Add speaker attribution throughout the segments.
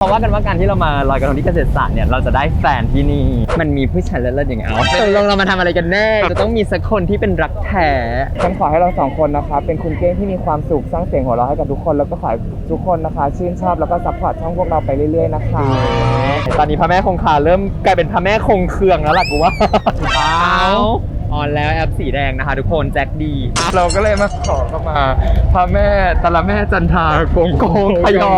Speaker 1: ว่ากันว่าการที่เรามาลอยกระทงที่เกษตรศาสตร์เนี่ยเราจะได้แฟนที่นี่มันมีผู้ชายเลิศๆอย่างเงี้ยตกลงเรามาทำอะไรกันแน่จะต้องมีสักคนที่เป็นรักแท้
Speaker 2: ฉันขอให้เราสองคนนะคะเป็นคุณเก้งที่มีความสุขสร้างเสียงหัวเราะให้กับทุกคนแล้วก็ขอให้ทุกคนนะคะชื่นชอบแล้วก็ซัพพอร์ตช่องพวกเราไปเรื่อยๆนะคะ
Speaker 1: ตอนนี้พระแม่คงคาเริ่มกลายเป็นพระแม่คงเคืองแล้วล่ะกูว่าออนแล้วแอปสีแดงนะคะทุกคนแจ็คดี
Speaker 2: เราก็เลยมาขอเข้ามาพระแม่ตะละแม่จันทาโกงโกงพยอ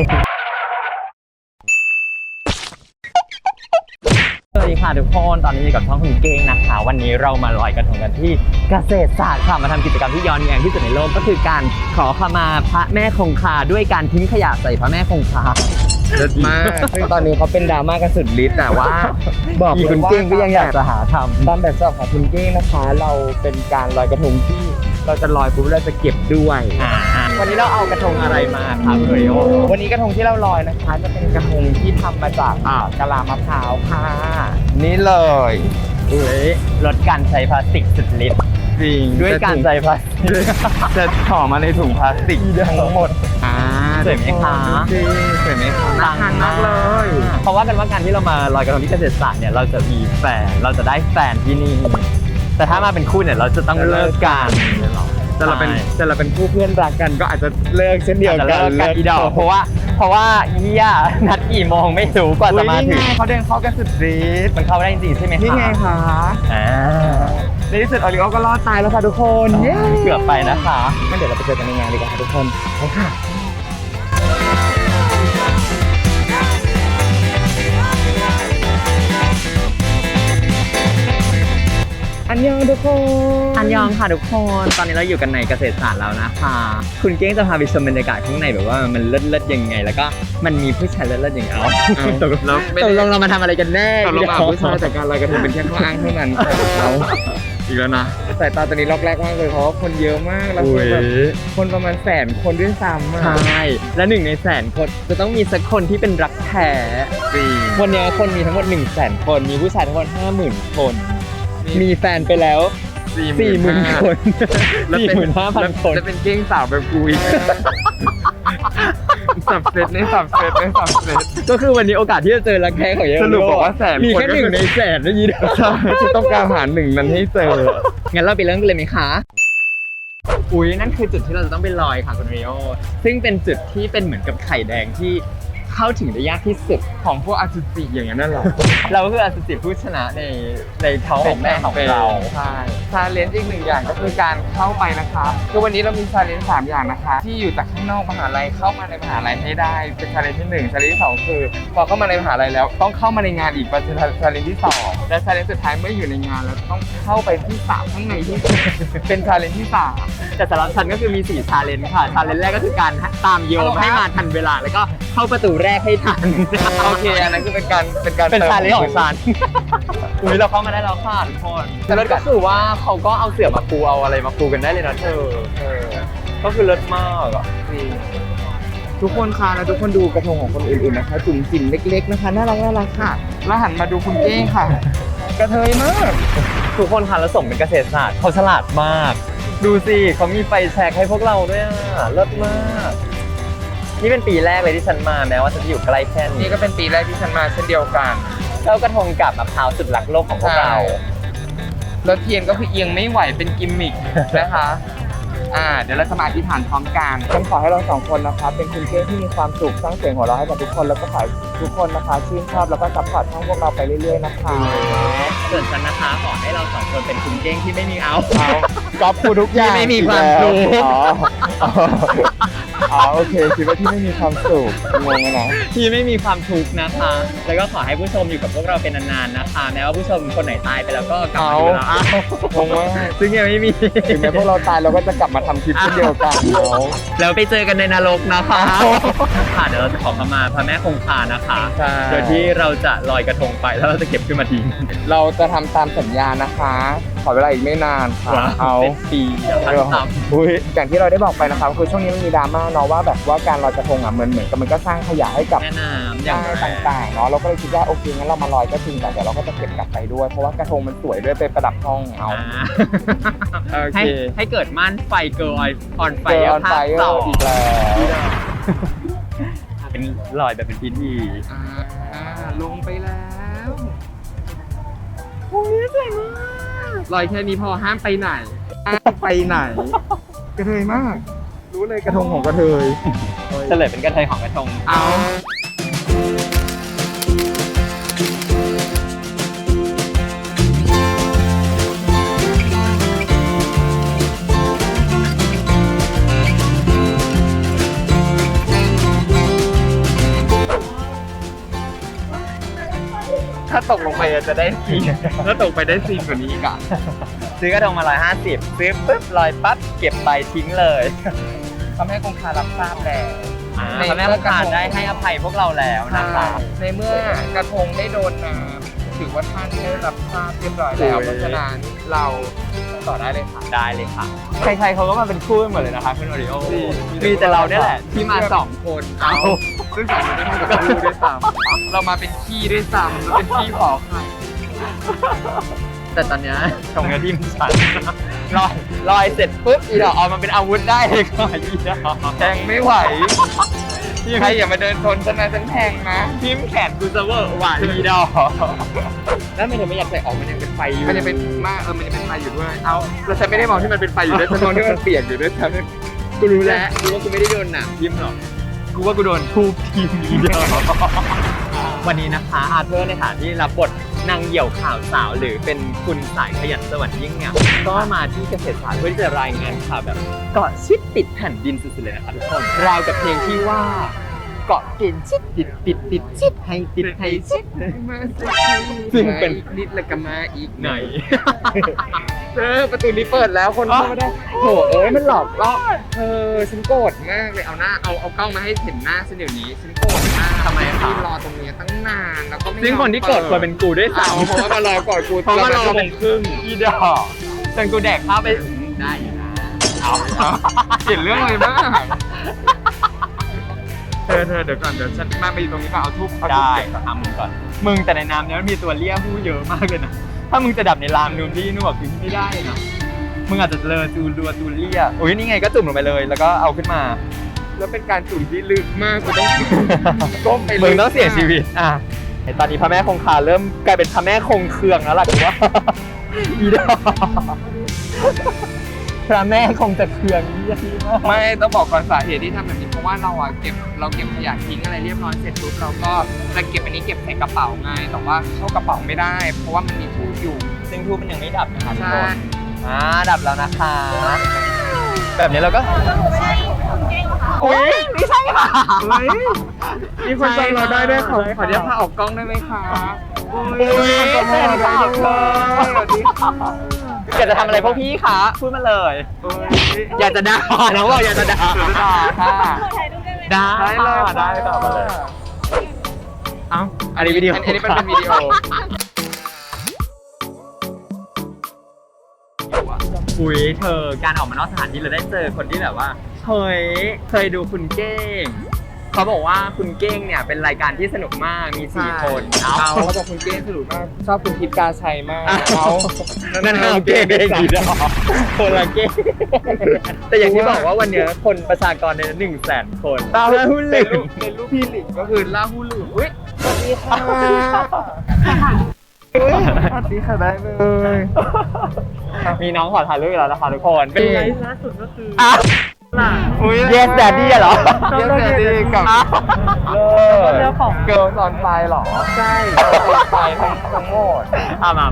Speaker 1: สวัสดีค่ะทุกคนตอนนี้อยู่กับช่องคุณเก้งนะคะวันนี้เรามาลอยกระทงกันที่เกษตรศาสตร์ค่ะมาทำกิจกรรมที่ย้อนแย้งที่สุดในโลกก็คือการขอขมาพระแม่คงคาด้วยการทิ้งขยะใส่พระแม่คงคา
Speaker 2: เลิศมากซึ่งตอนนี้เขาเป็นดราม่ากันสุดฤทธิ์แต่ว่าบอกเลยว่า
Speaker 1: คุณเก้งก็ยังอยากจะหาทำ
Speaker 2: ตามแบบฉบับของคุณเก้งนะคะเราเป็นการลอยกระทงที่เราจะลอยปุ๊บเราจะเก็บด้วย
Speaker 1: วันนี้เราเอากระทงอะไรมาครับเรโอ
Speaker 2: วันนี้กระทงที่เราลอยนะคะจะเป็นกระทงที่ทำมาจากกะลามะพร้าวค่ะนี่เลย
Speaker 1: ลดการใช้พลาสติกสุดฤทธิ์
Speaker 2: จริง
Speaker 1: ด้วยการใช้พลาสติก
Speaker 2: จะห่อมาในถุงพลาสติกทั้งหมด
Speaker 1: สวยไหมคะ
Speaker 2: สวยไหมคะ
Speaker 1: น่าทานมากเลยเพราะว่ากันว่าการที่เรามาลอยกระทงที่เกษตรศาสตร์เนี่ยเราจะมีแฟนเราจะได้แฟนที่นี่แต่ถ้ามาเป็นคู่เนี่ยเราจะต้องเลิกกัน
Speaker 2: แต่เราเป็นคู่เพื่อนรักกันก็อาจจะเลิกเช่นเดียวกัน
Speaker 1: อีดอกเพราะว่าเฮียนัดกี่โมงไม่รู้กว่าจะมาถึง
Speaker 2: เขาเดินเข้ากันสุดฤทธิ์
Speaker 1: มันเข้าได้จริงใช่ไหมคะ
Speaker 2: นี่ไงคะในที่สุดออริโอก็รอดตายแล้วค่ะทุกคน
Speaker 1: เกือบไปนะคะ
Speaker 2: งั้นเดี๋ยวเราไปเจอกันในงานดีกว่าค่ะทุกคนไปค่ะอันยองทุกคน
Speaker 1: อันยองค่ะทุกคนตอนนี้เราอยู่กันในเกษตรศาสตร์แล้วนะคะคุณเก้งจะพาไปชมบรรยากาศข้างในแบบว่ามันเลิศๆยังไงแล้วก็มันมีผู้ชายเลิศๆอย่างตกลงเรามาทำอะไรกันแน่
Speaker 2: ตกลงผู้ชายแต่การลอยกระทงเป็นแค่ข้ออ้างเท่านั้นเราอีกแล้วนะสายตาตอนนี้ล็อกแรกมากเลยเพราะว่าคนเยอะมากแล้วคนประมาณ100,000 คนด้วยซ้
Speaker 1: ำใช่และ1 ใน100,000 คนจะต้องมีสักคนที่เป็นรักแท้วันนี้คนมีทั้งหมด100,000 คนมีผู้ชายทั้งหมด50,000 คนมีแฟนไปแล้ว 40,000 คน 45,000 คน
Speaker 2: จะเป็นเก้งสาวแบบกูอีกสับเซต
Speaker 1: ก็คือวันนี้โอกาสที่จะเจอรักแท้ของเยอะ
Speaker 2: สรุปบอกว่า100,000
Speaker 1: มีแค่1 ใน 100,000นะยีด
Speaker 2: จะต้องการหา1นั้นให้เจอ
Speaker 1: งั้นเราไปเริ่มกันเลยไหมคะนั่นคือจุดที่เราจะต้องไปลอยค่ะคุณเรโอซึ่งเป็นจุดที่เป็นเหมือนกับไข่แดงที่เข้าถึงได้ยากที่สุด
Speaker 2: ของพวกอสุจิอย่างนั้นหรอ
Speaker 1: เราคืออสุจิผู้ชนะในท้องของแม่ของเรา
Speaker 2: ใช่ชาเลนจ์อีก1 อย่างก็คือการเข้าไปนะคะคือวันนี้เรามีชาเลนจ์3 อย่างนะคะที่อยู่จากข้างนอกมหาลัยเข้ามาในมหาลัยให้ได้เป็นชาเลนจ์ที่1ชาเลนจ์ที่2คือพอเข้ามาในมหาลัยแล้วต้องเข้ามาในงานอีกเป็นชาเลนจ์ที่2และชาเลนจ์สุดท้ายเมื่ออยู่ในงานแล้วต้องเข้าไปที่3ข้างในที่เป็นชาเลนจ์ที่3
Speaker 1: แต่สำหรับฉันก็คือมี4ชาเลนจ์ค่ะชาเลนจ์แรกก็คือการตามโยมให้มาทันเวลาแล้วก็เข้าประตูแรกให้ทัน
Speaker 2: โอเคอันนั้นคือเป็น
Speaker 1: ชาเลนจ์ของฉันเราเข้ามาได้แล้วค่ะทุกคนแต่ก็คือว่าเขาก็เอาเสื่อมาปูเอาอะไรมาปูกันได้เลยนะเธอก็คือเลิศมากอ่ะ
Speaker 2: ทุกคนค่ะแล้วทุกคนดูกระทงของคนอื่นๆนะคะจุ่มจิ๋มเล็กๆนะคะน่ารักค่ะแล้วหันมาดูคุณเก้งค่ะกระเทยมาก
Speaker 1: ทุกคนค่ะแล้วสมเป็นเกษตรศาสตร์เขาฉลาดมากดูสิเขามีไฟแช็กให้พวกเราด้วยอ่ะเลิศมากนี่เป็นปีแรกเลยที่ฉันมาแม้ว่าฉันจะอยู่ใกล้แค่
Speaker 2: นี้ก็เป็นปีแรกที่ฉันมาเช่นเดียวกัน
Speaker 1: เจ้ากระทงกับมะพร้าวสุดรักโลกของพวกเรา
Speaker 2: แล้วเทียนก็คือเอียงไม่ไหวเป็นกิมมิคนะคะเดี๋ยวเราจะมาอธิษฐานพร้อมกันฉันขอให้เรา2 คนนะคะเป็นคุณเก้งที่มีความสุขสร้างเสียงหัวเราะให้กับทุกคนแล้วก็ขอทุกคนนะคะชื่นชอบแล้วก็ซัพพอร์ตช่องพวกเราไปเรื่อยๆนะคะ
Speaker 1: ส่วนฉันนะคะขอให้เรา2 คนเป็นคุณเก้งที่ไม่มี
Speaker 2: ก๊อปพูดทุกอย่าง
Speaker 1: ที่ไม่มีความสุข
Speaker 2: โอเคคิดว่าที่ไม่มีความสุขงงนะ
Speaker 1: ที่ไม่มีความทุกข์นะคะแล้วก็ขอให้ผู้ชมอยู่กับพวกเราเป็นนานๆนะคะแม้ว่าผู้ชมคนไหนตายไปแล้วก็กลับมาดูเรา
Speaker 2: งงมาก
Speaker 1: ซึ่งยังไม่มี
Speaker 2: ถึงแม้พวกเราตายเราก็จะกลับมาทำคลิปเช่นเดียวกัน
Speaker 1: แล้วไปเจอกันในนรกนะคะค่ะเดี๋ยวเราจะขอมาพระแม่คงคานะคะโดยที่เราจะลอยกระทงไปแล้วเราจะเก็บขึ้นมาทิ้ง
Speaker 2: เราจะทำตามสัญญานะคะขอเวลาอีกไม่นานค่ะ
Speaker 1: เป็นปี
Speaker 2: อย่างที่เราได้บอกไปนะคะคือช่วงนี้มันมีดราม่าเนาะว่าแบบว่าการลอยกระทงเหมือนกับมันก็สร้างขยะให้กับ
Speaker 1: แม่น้ำ
Speaker 2: ต่างๆเนาะเราก็เลยคิดว่าโอเคงั้นเรามาลอยก็จริงแต่เดี๋ยวเราก็จะเก็บกลับไปด้วยเพราะว่ากระทงมันสวยด้วยไปประดับห้อง
Speaker 1: โอเคให้เกิดม่านไฟเกิร์ลออนไฟ
Speaker 2: ภาค 2อีกแล้ว
Speaker 1: เป็นลอยแบบเป็นพิธี
Speaker 2: ลงไปแล้วโอ้ยสวยมากลอยแค่นี้พอห้ามไปไหนไปไหน กระเทยมาก รู้เลยกระทงของกระเทย
Speaker 1: เฉลยเป็นกระเทยของกระทง
Speaker 2: เอา ถ้าตกลงไปจะได้ซีนถ้าตกไปได้ซีนกว่านี้อีกอ่ะ
Speaker 1: ซื้อกระทงมา150ซื้อปุ๊บลอยปั๊บเก็บใบทิ้งเลย
Speaker 2: ทำให้คงคารับทราบแล้ว
Speaker 1: พระแม่คงคาได้ให้อภัยพวกเราแล้วนะคะ
Speaker 2: ในเมื่อกระทงได้โดนน้ำถือว่าท่านได้รับทราบเรียบร้อยแล้ว เพราะฉะนั้นเราต่อได้เลยค่ะ
Speaker 1: ได้เลยค่ะ ใครๆเขาก็มาเป็นคู่กันหมดเลยนะคะคุณโอริโอ
Speaker 2: มี
Speaker 1: มีแต่เราเนี่ยแหละที่มา2
Speaker 2: คน เอาซึ่งสองคนไม่ได้กับคู่ด้วยซ้ำเรามาเป็นขี้ด้วยซ้ำเราเป็นขี้ขอไข่
Speaker 1: แต่ตอนเนี้ยชงเนื้อที่มันชันลอยเสร็จปุ๊บอีดอกเอามาเป็นอาวุธได้เลยค่ะอีดอก
Speaker 2: แทงไม่ไหวใครอย่ามาเดินชนฉันนะฉันแทงนะ
Speaker 1: ทิมแขนกูจะเวอร์หวานอีดอกแล้วไม่เธอไม่อยากใส่ออกมันยังเป็นไฟอยู่
Speaker 2: มันจะเป็นมากมันจะเป็นไฟอยู่ด้วย เอาแล้วฉันไม่ได้มองที่มันเป็นไฟอยู่ด้วยฉันมองที่มันเปียกอยู่ด้วยฉัน
Speaker 1: กูรู้แล้วกูว่ากูไม่ได้โดนหนักทิมหรอกกูว่ากูโดนทูบทีมอีดอกวันนี้นะคะอาเธอร์ในฐานที่รับบทนางเหยี่ยวข่าวสาวหรือเป็นคุณสายขยันสวรรค์ยิ่งเนี่ยก็มาที่เกษตรศาสตร์เพื่อที่จะรายงานข่าวแบบเกาะชิดติดแผ่นดินสุดๆเลยนะคะทุกคนราวกับเพลงที่ว่าเกาะเกณฑ์ชิดติดชิดให้ติดให้ชิด
Speaker 2: มาสิ
Speaker 1: ซึ่งเป็น
Speaker 2: อีกนิดแล้วก็มาอีก
Speaker 1: ไหน
Speaker 2: ประตูนี้เปิดแล้วคนเข้ามาได้โถเอ้ยมันหลอกล่อฉันโกรธมากเลยเอาหน้าเอากล้องมาให้เห็นหน้าฉันเดี๋ยวนี้ฉันโกรธมาก
Speaker 1: ทำไมคะ
Speaker 2: ที่รอตรงนี้ตั้งนานแล้วก็ไม่
Speaker 1: ซึ่งคนที่เกิดควรเป็นกูด้วยซ้ำ
Speaker 2: เพราะว่ามารอก่อนกู
Speaker 1: เพราะว่ารอ
Speaker 2: ชั่วโมงครึ่ง
Speaker 1: อีดอกจนกูแดกข้าวไปได้อยู่นะเอา
Speaker 2: เห็นเรื่องอะไรบ้างเธอเดี๋ยวก่อนเดี๋ยวฉันมาไปตรงนี้ก่อนเอาทูบ
Speaker 1: ได้ทำมึงก่อนมึงแต่ในน้ำเนี้ยมันมีตัวเลี้ยผู้เยอะมากเลยนะถ้ามึงจะดับในรามนูนที่นู่นคือไม่ได้นะมึงอาจจะเลอจูรัวจูเลียโอ้ยนี่ไงก็จุ่มลงไปเลยแล้วก็เอาขึ้นมา
Speaker 2: แล้วเป็นการจุ่มที่ลึกมากกูต้องก้มไป
Speaker 1: มึงต้องเสียชีวิตอ่ะไอตอนนี้พระแม่คงคาเริ่มกลายเป็นพระแม่คงเคืองแล้วล่ะกูว่า อีดอกพระแม่คงจะเคืองยี่มาก
Speaker 2: ไม่ต้องบอกก่อนสาเหตุที่ทำแบบนี้เพราะว่าเราเก็บขยะทิ้งอะไรเรียบร้อยเสร็จปุ๊บเราก็จะเก็บอันนี้เก็บใส่กระเป๋าไงแต่ว่าเข้ากระเป๋าไม่ได้ เพราะว่ามันมีทูบอยู่
Speaker 1: ซึ่งทูบมันยังไม่ดับนะคะทุก
Speaker 2: ใช่
Speaker 1: คนดับแล้วนะคะ แบบนี้เราก็อุ้ยไม่ใช่ค่ะ
Speaker 2: มีคนจำเราได้ด้วยขออนุญาตพาออกกล้องได้ไหมคะ
Speaker 1: อุ้ย
Speaker 2: ขอโทษได้ด้วยสวัสดีค่ะ
Speaker 1: อยากจะทำอะไรพวกพี่คะพูดมาเลย อยากจะด่าน้องบอกอยากจะด่า
Speaker 2: ค่ะ
Speaker 1: ได้
Speaker 2: ได้เลย
Speaker 1: ได้ค่ะมาเลยเอ้าอันนี้วิดีโอ
Speaker 2: อันนี้เป็นวิดีโอ
Speaker 1: อุ้ยเธอการออกมานอกสถานที่เราได้เจอคนที่แบบว่าเฮ้ยเคยดูคุณเก้งเขาบอกว่าคุณเก้งเนี่ยเป็นรายการที่สนุกมากมี4 คน
Speaker 2: เขาบอกคุณเก้งสนุกมากชอบคุณทิพย์กาชัยมาก
Speaker 1: นั่นเอาเก้งเองดีดอกคนละเก้งแต่อย่างที่บอกว่าวันเนี้ยคนประชากรใน100,000 คนตาหูหลิง
Speaker 2: เป็นรูปพี่หลิงก็คือล่าหูหลิงอุ้ยสวัสดีค่ะสวัสดีค่ะได้เลย
Speaker 1: มีน้องขอถ่ายรูปอีกแล้วนะคะทุกคนเป็นไง
Speaker 3: ล่าสุดก็คือ
Speaker 1: อุ้ยเยสแดดดี้เหรอ
Speaker 2: เยสแดดดี้กับ
Speaker 3: เรื่องของ
Speaker 2: เกิร์ลซอนไฟหรอใช่เกิร์ลซอนไฟทั้งหมด
Speaker 1: มา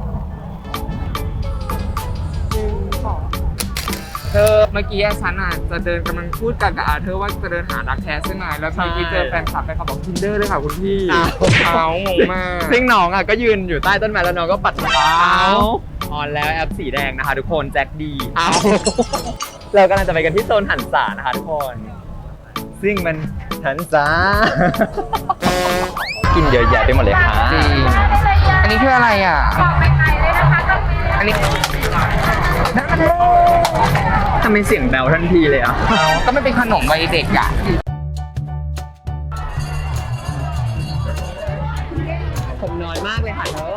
Speaker 2: เธอเมื่อกี้ฉันจะเดินกำลังพูดกันกับอาเธอว่าจะเดินหารักแท้ใช่ไหมแล้วเมื่อกี้เจอแฟนคลับเขาบอก Tinder ด้วยค่ะคุณพี่เอางงมาก
Speaker 1: ซึ่งน้องก็ยืนอยู่ใต้ต้นไม้แล้วน้องก็ปัดเท้าออนแล้วแอปสีแดงนะคะทุกคนแจ็คดีเรากำลังจะไปกันที่โซนหันษานะคะทุกคน ซึ่งมันหันษา กินเยอะแยะไปหมดเลยค่ะ
Speaker 2: จริงอันนี้คืออะไรอ่ะอันนี้
Speaker 1: ทำไมเสียงแบวทันทีเลยอ่ะ
Speaker 2: ก็ไม่เป็นขนมวัยเด็กอ่ะ
Speaker 1: ผมน้อยมากเลยค่ะเธอ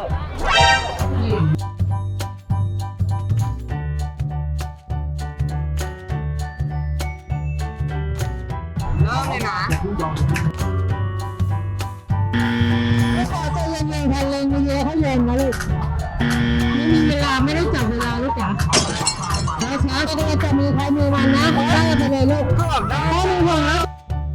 Speaker 2: เริ่มเลยนะ
Speaker 4: นะลูกไม่มีเวลาไม่ได้จับเวลาลูกจ๋าช้าๆก็ต้องจับมือใครมือมันนะได้ไปเลยลูกก็บอกได้มือห่วงแล้ว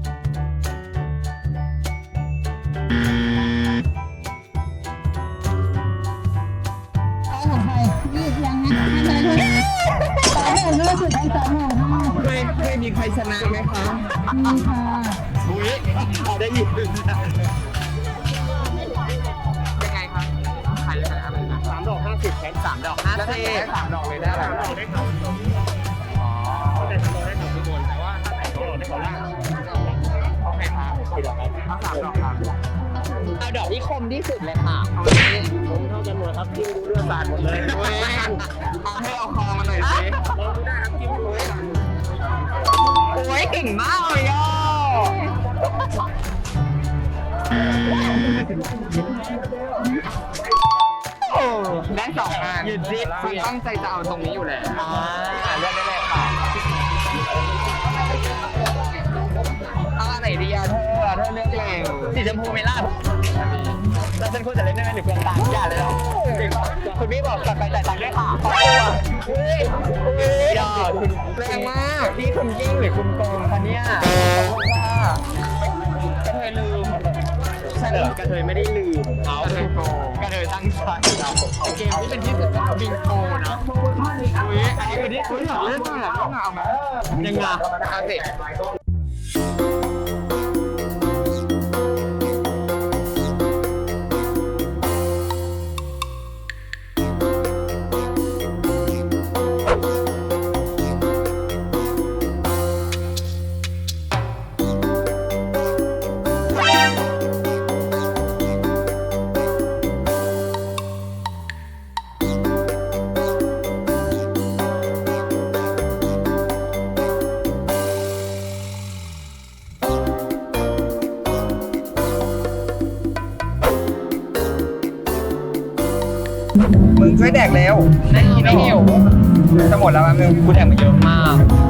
Speaker 4: ของใครยืดยังนะให้ไหนลูกต่อไปเรื่องสุดท้าย3
Speaker 2: เคยมีใครชนะไหมคะ
Speaker 4: มีค่ะ
Speaker 2: อุ้ยเอาได้ยินยังไงครับขายยังไงอะไรนะ3 ดอก 50แทน3 ดอก 50แล้วได้3 ดอกเลยได้อะไรได้เขาอ๋อแต่3 ดอกได้เขาทุกคนแต่ว่าถ้าใส่2 ดอกได้เขาล่างโอเคครับ4 ดอกครับเอา3 ดอกครับ
Speaker 1: เอาดอกที่คมที่สุดเลยค่ะ
Speaker 2: เอาเลยผมเท่ากันหมดครับจิ้มดูเลือดสาดหมดเลยเว้ยเอาให้เอาคอมาหน่อยสิลองดูได้ครับจิ้มดูเลย
Speaker 1: โอ้ยเก่งมากเลยอ่ะ
Speaker 2: โอ้ได้2 งานยืดซิปคือตั้งใจจะเอาตรงนี้อยู่แล้วเลือกได้เลยค่ะเอาอันไหนดีอะเธอเลือกเร็ว
Speaker 1: สีชมพูไหม่ล่ะแล้วฉันควรจะเล่นได้ไหมหรือเปล่าอย่าเลยหรอคุณพี่บอกกลับไปจ่ายตังค์ด้วยค่ะขอตัวอย่าคุณ
Speaker 2: แรงมาก
Speaker 1: พี่คุณยิ่งหรือคุณโกงคะเนี่ย
Speaker 2: ขอบคุณค่ะกระเทยลืม
Speaker 1: ใช่เหรอกระเทยไม่ได้ลืม
Speaker 2: กระเทยโกง
Speaker 1: กระเทยตั้งใจ
Speaker 2: เกมที่เป็นที่สุดของบิงโกนะอุ้ยอันนี้คือที่อยากเล่นมากเอามา
Speaker 1: ยังไง
Speaker 2: เอาสิมึงช่วยแดกเร็วไม่หิวจะหมดแล้วมั้งมึง
Speaker 1: คุณแอบมาเยอะมาก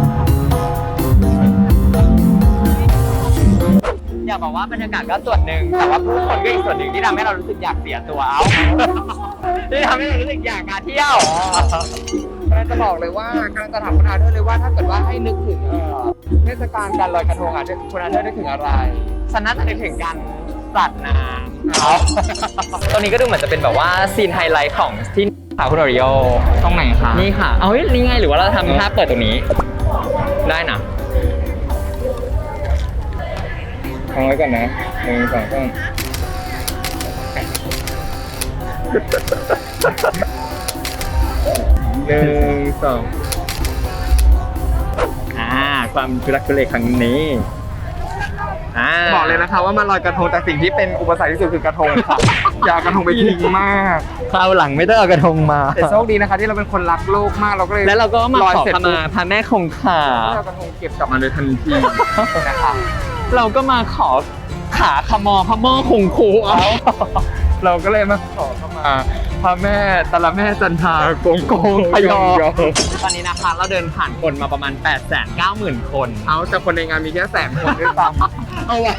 Speaker 1: อยากบอกว่าบรรยากาศก็ส่วนหนึ่งแต่ว่าผู้คนก็อีกส่วนหนึ่งที่ทำให้เรารู้สึกอยากเสียตัวเอาที่ทำให้เรารู้สึกอยากมาเที่ยว
Speaker 2: กำลังจะบอกเลยว่ากำลังจะถามคุณอาเธอร์เลยว่าถ้าเกิดว่าให้นึกถึงเทศกาลการลอยกระทงอ่ะคุณอาเธอร์นึกถึงอะไร
Speaker 1: ฉันน่าจะนึกถึงการสัตว์น้ำเอาตรงนี้ก็ดูเหมือนจะเป็นแบบว่าซีนไฮไลท์ของที่ค่ะคุณโอริโอ
Speaker 2: ตรงไหนคะ
Speaker 1: นี่ค่ะ เอาเฮ้ยนี่ไงหรือว่าเราทำท่าเปิดตรงนี้ ได้นะ
Speaker 2: ฟังไว้ก่อนนะ1 2 3 1 2
Speaker 1: ความทุรักทุเลครั้งนี้
Speaker 2: บอกเลยนะคะว่ามาลอยกระทงแต่สิ่งที่เป็นอุปสรรคที่สุดคือกระทงค่ะ อย่ากระทงไปทิ้งมาก
Speaker 1: คราวหลังไม่ต้องเอากระทงมา
Speaker 2: แต่โชคดีนะคะที่เราเป็นคนรักโลกมากเราก็เลย
Speaker 1: แล้วเราก็มา
Speaker 2: ลอย
Speaker 1: ขอ
Speaker 2: เสร็จ
Speaker 1: ขมาพระแม่คงคา
Speaker 2: เรากระทงเก็บกลับมาเลยทันทีนะคะ
Speaker 1: เราก็มาขอขาขมอพระโม่คงคูเอา
Speaker 2: เราก็เลยมาขอเข้ามาพระแม่ตะละแม่จันทราโกงโกงพยอ
Speaker 1: ตอนนี้นะคะเราเดินผ่านคนมาประมาณ 890,000 คน
Speaker 2: เอาแต่คนในงานมีแค่100,000 คนด้วยซ้ำ
Speaker 1: เอาว่ะ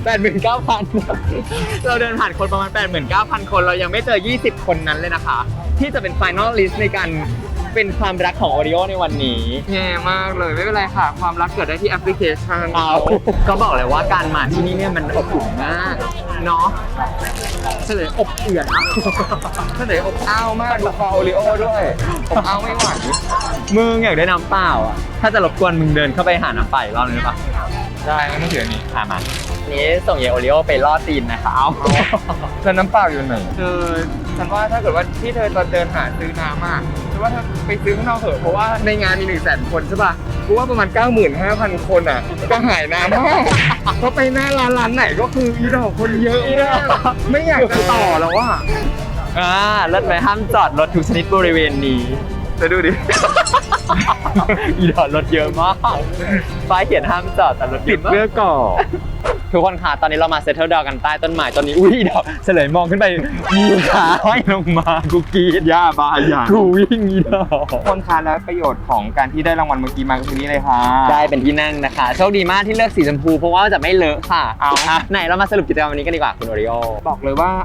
Speaker 1: 89,000 เราเดินผ่านคนประมาณ 89,000 คน เรายังไม่เจอ 20 คนนั้นเลยนะคะ ที่จะเป็น Final List ในการเป็นความรักของโอริโอในวันนี้
Speaker 2: แย่มากเลยไม่เป็นไรค่ะ ความรักเกิดได้ที่แอปพลิเคชัน
Speaker 1: ก็บอกเลยว่าการมาที่นี่เนี่ยมันอบอุ่นมากเนาะเฉลยอบเอื่อนอะ
Speaker 2: เฉลยอบอ้าวมากดูคอโอริโอด้วยอบอ้าวไม่ไหว
Speaker 1: มึงอยากได้น้ำเปล่าอ่ะ ถ้าจะรบกวนมึงเดินเข้าไปหาน้ำเปล่าอีกรอบนึงได้ปะ
Speaker 2: ได้งั้นไม่ถืออันนี้
Speaker 1: มานี้ส่งเยโอริโอไปล่อตีนนะคะเอา
Speaker 2: แล้วน้ำเปล่าอยู่ไหนฉันว่าถ้าเกิดว่าที่เธอตอนเดินหาซื้อน้ำอ่ะฉันว่าเธอไปซื้อข้างนอกเถอะเพราะว่าในงานมี100,000 คนใช่ป่ะกูว่าประมาณ 95,000 คนอ่ะก็หายน้ำมากเพราะไปหน้าร้านไหนก็คืออีดอกคนเยอะมากไม่อยากจะต่อแล้วว่ะ
Speaker 1: รถไฟห้ามจอดรถทุกชนิดบริเวณนี้
Speaker 2: ไปดูดิ
Speaker 1: อีดอดรถเยอะมากป้ายเขียนห้ามจอดแต่รถ
Speaker 2: ติดเพื่อก่อ
Speaker 1: ทุกคนค่ะตอนนี้เรามาเซตเทิลดาวกันใต้ต้นไม้ต้นนี้อุ้ยเดี๋ยวเฉลยมองขึ้นไปมีขาห้อยลงมากูกรีด
Speaker 2: ย่าบาอย่าง
Speaker 1: กูวิ่งอีดอก
Speaker 2: คนค้าและประโยชน์ของการที่ได้รางวัลเมื่อกี้มาคือนี้เลยค่ะ
Speaker 1: ได้เป็นที่นั่งนะคะโชคดีมากที่เลือกสีชมพูเพราะว่าจะไม่เลอะค่ะ
Speaker 2: เอา
Speaker 1: ไหนเรามาสรุปกิจกรรมวันนี้กันดีกว่าคุณโอริโอ
Speaker 2: บอกเลยว่า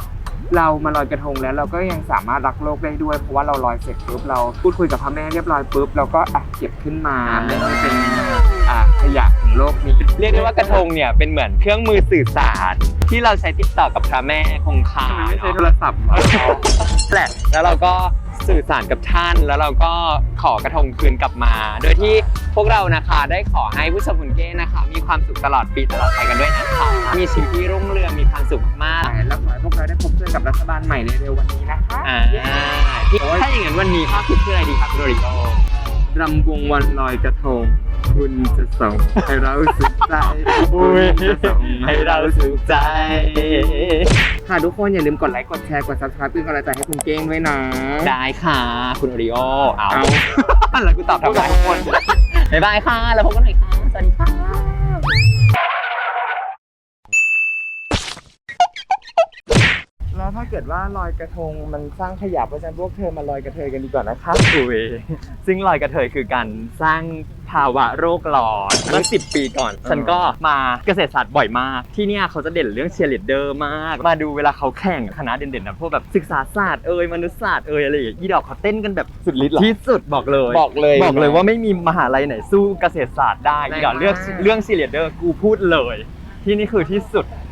Speaker 2: เรามาลอยกระทงแล้วเราก็ยังสามารถรักโลกได้ด้วยเพราะว่าเราลอยเสร็จปุ๊บเราพูดคุยกับพระแม่เรียบร้อยปุ๊บเราก็เก็บขึ้นมาไม่ให้เป็นขยะของโลกนี้
Speaker 1: เรียกได้ว่ากระทงเนี่ยเป็นเหมือนเครื่องมือสื่อสารที่เราใช้ติดต่อกับพระแม่คงคา
Speaker 2: ไม่ใช่โทรศัพท์
Speaker 1: แหละแล้วเราก็สื่อสารกับท่านแล้วเราก็ขอกระทงคืนกลับมา โดยที่พวกเรานะคะได้ขอให้ผู้ชมคุณเก้นะคะ มีความสุขตลอดปีตลอดไปกันด้วยนะคะมีชีวิตที่รุ่งเรืองมีความสุขมาก
Speaker 2: แล้วขอให้พวกเราได้พบเจอกับรัฐบาลใหม่ในเร็ววันนี้นะคะ
Speaker 1: ถ้าอย่างนั้นวันนี้ข้อคิดคืออะไรดีครับโดริโอ
Speaker 2: รำวงวันลอยกระทงคุณจะส่งให้เราสุขใจคุณจะส่งให้เราสุขใจค่ะทุกคนอย่าลืมกดไลค์กดแชร์กด subscribe เป็นกำลังใจให้คุณเก้งด้วยนะ
Speaker 1: ได้ค่ะคุณโอริโอเอา
Speaker 2: เอา
Speaker 1: แล้วกูตอบทำไมทุกคนบ๊ายบายค่ะแล้วพบกันใหม่ค่ะสวัสดีค่ะ
Speaker 2: แล้วถ้าเกิดว่าลอยกระทงมันสร้างขยะเพราะฉะนั้นพวกเธอมาลอยกระเทยกันดีกว่านะคะ
Speaker 1: อุ้ยซึ่งลอยกระเทยคือการสร้างภาวะโรคร้อนเมื่อ10 ปีก่อน ฉันก็มาเกษตรศาสตร์บ่อยมาก ที่เนี่ยเขาจะเด่นเรื่องเชียร์ลีดเดอร์มาก มาดูเวลาเขาแข่งคณะเด่นๆนะพวกแบบศึกษาศาสตร์มนุษยศาสตร์อะไรอย่างเงี้ยอีดอกเขาเต้นกันแบบสุดฤทธิ์ที่สุดบอกเลย
Speaker 2: บอกเลย
Speaker 1: บอกเลยว่าไม่มีมหาลัยไหนสู้เกษตรศาสตร์ได้อีดอกเรื่องเชียร์ลีดเดอร์กูพูดเลย ที่นี่คือที่สุด